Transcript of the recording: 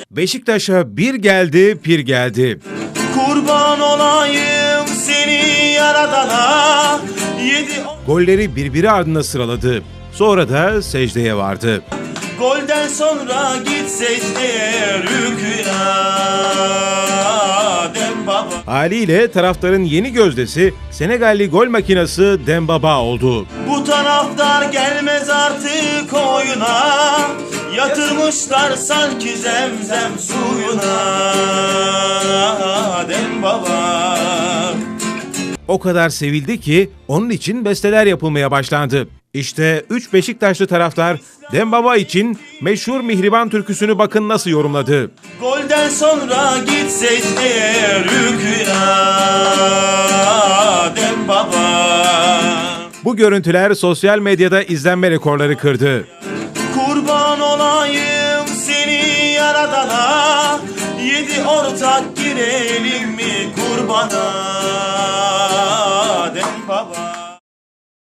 Beşiktaş'a bir geldi, pir geldi. Kurban olayım seni yaradana. Golleri birbiri ardına sıraladı. Sonra da secdeye vardı. Golden sonra git secdeye rükûna Dembaba. Haliyle taraftarın yeni gözdesi Senegalli gol makinası Dembaba oldu. Bu taraftar gelmez artık oyuna. Yatırmışlar sanki zemzem suyuna Dembaba. O kadar sevildi ki onun için besteler yapılmaya başlandı. İşte 3 Beşiktaşlı taraftar Dembaba için meşhur Mihriban türküsünü bakın nasıl yorumladı. Golden sonra git secdeye rükûna Dembaba. Bu görüntüler sosyal medyada izlenme rekorları kırdı. Kurban olayım seni yaradana. 7 ortak girelim mi kurbana Dembaba.